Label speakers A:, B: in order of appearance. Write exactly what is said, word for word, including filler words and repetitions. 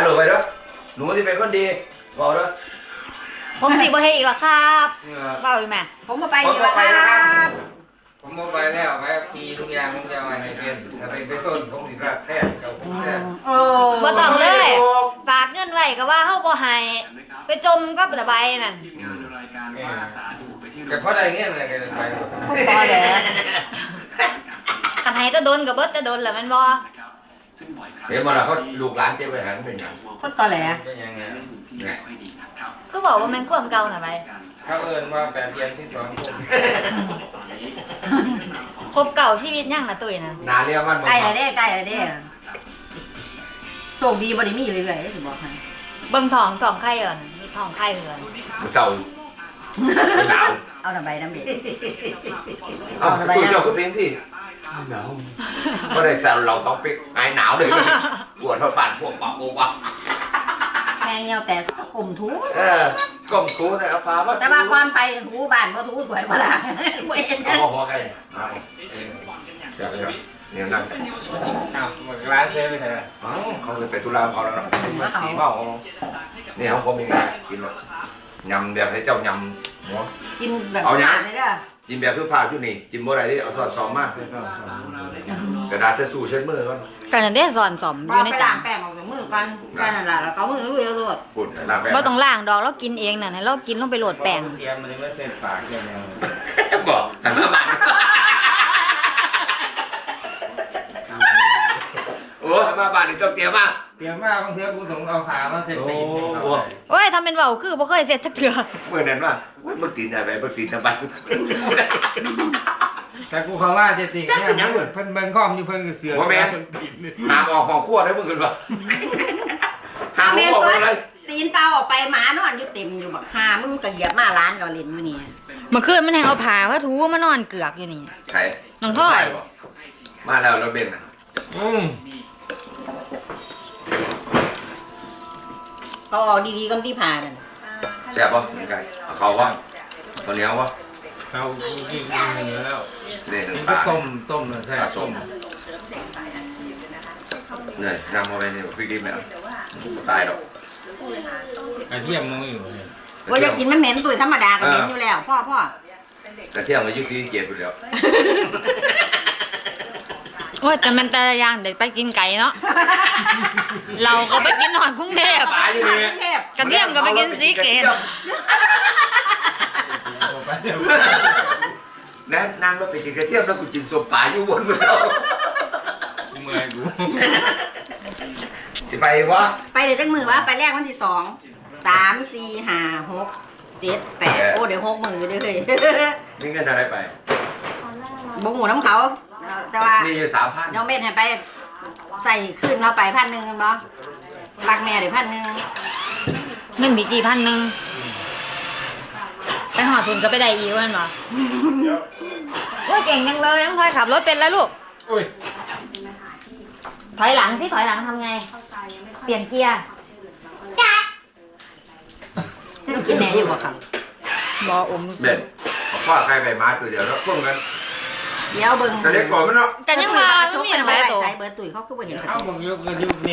A: หลุดไปด้วยหนูที่เป็นคนดีบอกด้วย
B: ผมสิบ่เฮ็ดอีกแล้วครับเว้าอีกแม่
C: ผมมาไปอีกแล้วครับ
D: ผมมาไปแล้วไปทีทุกอย่างผมจะเอาให้เพื่อนถ้าไปไปต้นผมสิรักแท้เจ้าผมแท้
C: โอ้
B: บ่ต้องเลยฝากเงินไว้ก็ว่าเฮาบ่ให้ไปจมกับระบายนั่น
D: แต่พอได้เงี้ยอะไรกันไป
B: พอแล้วคันให้ตะโดนก็เบิดตะโดนแหละแม่นบ่
A: เห็นมาแล้วเขาลูกหลานเจ๊ไปหันเป็นยัง
C: คนตอแหล
D: เป็นยังไง
A: เนี่ย
B: คือบอกว่าแม่นความเก่าน่ะไป
D: เขาเอิญว่าแบบเรียนที่สองคน
B: ครบเก่าชีวิตยังล่ะตุ้ยน่ะ
A: นาเรียกมัน
C: ใกล้แล้วเด้ใกล้แล้วเด้โชคดีบ่ได้มีเรื่อยๆสิบอกให้
B: เบิ่งท้องท้องไข่ก่อนท้องไข่เหือน
A: มันเศร้าหนาว
C: เอาน้ำใบน้ำเด็ด
A: เอาตู้เจ้าก็เป็นที่หนาวก็ได้แซวเราต้องไปหายหนาวเลยปวดเพราะปั่นพวกปอกโอ้วะ
C: แมงเหี่ยวแต่ก็กลมทู
A: เออกลมทูแต่เอาฟ้าว่า
C: แต่ว่าก่อนไปทูบ้านบ่ทูสวยบ่ล่ะบ่เห็น
A: เอา
C: จัง
A: พอๆกันเอาเดี๋ยวเดี๋ยวเนี่ยนั่ง
D: อ้าวมันร้านเซ่ไปไหน
A: อ๋อเขาเลยไปธุระเขาแล้วเนาะสีเมาเนี่ยเขาผมยังไงกินแบบยำแบบให้เจ้ายำหัว
C: กินแบบ
A: เอายัง
C: นี่เด้อ
A: กินแบบคือผ้าชุดนี้กินบ่ได้ที่เอาทอดซอมมากกระดาษจะสู้เช็ดมือก่อน
B: กันนั่นเด้สอนสอมอ
C: พอยู่
B: ใน
C: ไป
B: จา
C: ล้าน งแป้งออกจากมือก่อนแค่นั้นล่ะแล้วก็เอามือลุยเอาโลด
A: ปุ่นน้ำแป้ง
B: บ่ต้องล้างดอกเรากินเองน่ะให้เรากินลงไปโหลดแป้ง
D: เตรียมมันไม่เส้นปากแค่นี้
A: บอกหันมาบ้านโอ้หันมาบ้านนี่ต้องเตรียมมาก
D: เตรียมมากบางทีกูต้องเอาขามาเส้นตีน
B: โอ้ยทำเป็นเว้าคือบ่เคยเสร็จจักเทื่อ
A: เมื่อนั้นว่ามันตีนอะไรมันตีนทำไม
D: แต่กูเขาว่าจะตีเนี่ยเพิ่นเบิ่งข้อมอยู่เพิ่นก็เสือ
A: หามออกของขั้วได้มึงกันปะหาม
C: เอาแม่น
A: ออก
C: ตัว
A: อะไร
C: ตีนเปล่าออกไปหมานอนอยู่เต็มอยู่บักหามึงก็เหยียบมาร้านก็เล่นอยู่นี่
B: เมื่อคืนมันแฮงเอาผ้ามาถูมานอนเกือกอยู่นี่
A: ใคร
B: น้องพ่อย
A: มาแล้วเราเบนนะ
D: อืม
C: เอาออกดีๆก่อนที่ผ่านั่น
A: แซ่บปะยังไงเขาปะตอนนี้เอาปะ
D: เขากินเนื้อแล้ว
A: เนี่ย
D: นี่
A: น้ำป
D: ก็
A: ลา
D: ต้มต้มเลยใช่ต้ม
A: เนี่ยนำมาไปเนี่ยพี่ดิบเนี่ยตายหรอก
D: กระเทียมมึงอยู่
C: ว่าจะกินมันเหม็นตุ๋ยธรรมดาก็เหม็นอยู่แล้วพ่อพ่อก
A: ระเทียมอายุสี่เจ็ดไปแล้ว
B: โอ้ยแต่มันแต่ละอย่างเด็กไปกินไก่เนาะ เราก็ไปกินหอนกรุงเทพ
A: ตายอยู่เนี่ย
C: เทพ
B: กระเทียมก็ไปกินสีเกต
A: แนะนั่งรถไปกินกระเทียมแล้วกูกินส้มปลาอยู่บนมือเจ้า
D: เมื่อยกู
A: สิไปวะ
C: ไปเดี๋ยวจังมือวะไปแรกวันที่สองสามสี่ห้าหกเจ็ดแปดโอ้เดี๋ยวหกมือเดี๋ยวเลย
A: มีเงินอะไรไป
C: บงหูน้ำเขาแต่ว่า
A: มีอยู่สามพัน
C: น้องเบนให้ไปใส่ขึ้นเราไปพันหนึ่งกันบ่รักแม่เดี๋ยวพันหนึ่ง
B: เงินบีจีพันหนึ่งไปหอดทุนก็ไปได้อีกวันวะโอ้ยเก่งจังเลยน้องพลอยขับรถเป็นแล้วลูก
D: อุ้ย
B: ถอยหลังสิถอยหลังทำไง เปลี่ยนเกียร์จ้า
C: ไม่กินแหน่อยู่บ่ครับ
B: บออม
A: เบ็ดพ่อใครไปมาตัวเดียวแล้วพุ่งกัน
C: เดี๋ยวเบิ่ง
A: แต่เด็กก่อนมันเนาะ
B: กันยังมา
C: ช
B: ไม่
C: ก
B: มี
C: เป็น
B: อะไร
C: ไว้
B: ตัว
C: ใส่เบิร์ดตุ๋ยเขาคือบ่เห็น
D: เอาบอกยุกยุกนี่